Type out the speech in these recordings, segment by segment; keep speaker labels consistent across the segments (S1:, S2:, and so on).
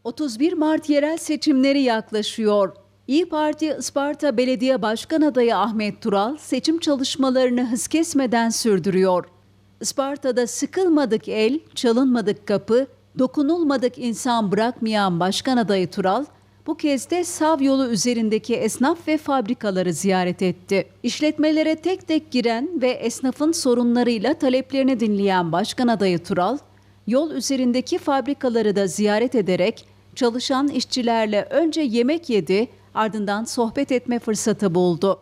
S1: 31 Mart yerel seçimleri yaklaşıyor. İYİ Parti Isparta Belediye Başkan Adayı Ahmet Tural seçim çalışmalarını hız kesmeden sürdürüyor. Isparta'da sıkılmadık el, çalınmadık kapı, dokunulmadık insan bırakmayan Başkan Adayı Tural, bu kez de Sav yolu üzerindeki esnaf ve fabrikaları ziyaret etti. İşletmelere tek tek giren ve esnafın sorunlarıyla taleplerini dinleyen Başkan Adayı Tural, yol üzerindeki fabrikaları da ziyaret ederek çalışan işçilerle önce yemek yedi, ardından sohbet etme fırsatı buldu.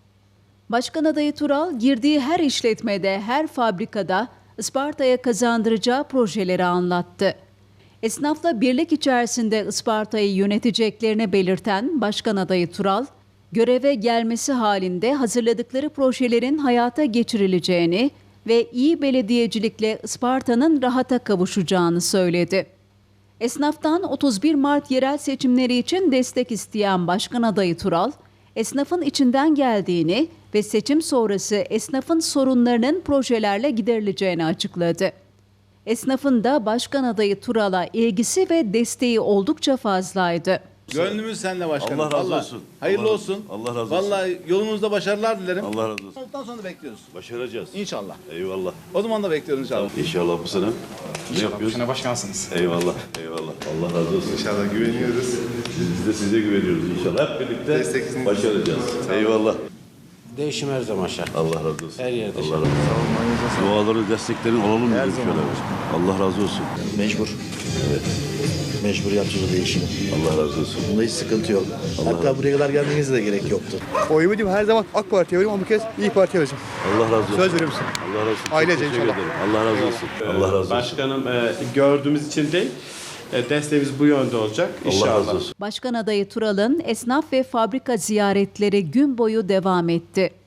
S1: Başkan Adayı Tural girdiği her işletmede, her fabrikada Isparta'ya kazandıracağı projeleri anlattı. Esnafla birlik içerisinde Isparta'yı yöneteceklerini belirten Başkan Adayı Tural, göreve gelmesi halinde hazırladıkları projelerin hayata geçirileceğini ve iyi belediyecilikle Isparta'nın rahata kavuşacağını söyledi. Esnaftan 31 Mart yerel seçimleri için destek isteyen Başkan Adayı Tural, esnafın içinden geldiğini ve seçim sonrası esnafın sorunlarının projelerle giderileceğini açıkladı. Esnafın da Başkan Adayı Tural'a ilgisi ve desteği oldukça fazlaydı.
S2: Gönlümüz seninle başkanım.
S3: Allah razı
S2: Vallahi.
S3: olsun.
S2: Hayırlı
S3: Allah-
S2: olsun.
S3: Allah razı olsun.
S2: Vallahi yolunuzda başarılar dilerim.
S3: Allah razı olsun.
S2: Ondan sonra bekliyoruz.
S3: Başaracağız.
S2: İnşallah.
S3: Eyvallah.
S2: O zaman da bekliyoruz inşallah.
S3: İnşallah bu sene. Ne yapıyoruz?
S4: Sene başkansınız.
S3: Eyvallah. Eyvallah. Allah razı olsun.
S5: İnşallah güveniyoruz.
S3: Biz de size güveniyoruz inşallah. Hep birlikte
S5: Desteksiniz.
S3: başaracağız. Eyvallah.
S6: Değişim her zaman şart.
S3: Allah razı olsun.
S6: Her yerde
S3: Allah
S6: şart.
S3: razı olsun. Duaların, desteklerin olalım mı? Allah razı olsun.
S7: Mecbur. Evet. Mecbur yapacağız değişimi.
S3: Allah razı olsun.
S7: Bunda hiç sıkıntı yok. Hatta buraya kadar gelmenize de gerek yoktu.
S5: Oyumu diyeyim her zaman AK Parti'ye veriyorum ama bu kez İYİ Parti'ye vereceğim.
S3: Allah razı olsun.
S5: Söz veriyor musun?
S3: Allah razı olsun. Çok
S5: Ailece
S3: teşekkür
S5: inşallah.
S3: ederim. Allah razı olsun. Allah razı olsun.
S8: Başkanım gördüğümüz için değil, desteğimiz bu yönde olacak inşallah.
S3: Allah razı olsun.
S1: Başkan Adayı Tural'ın esnaf ve fabrika ziyaretleri gün boyu devam etti.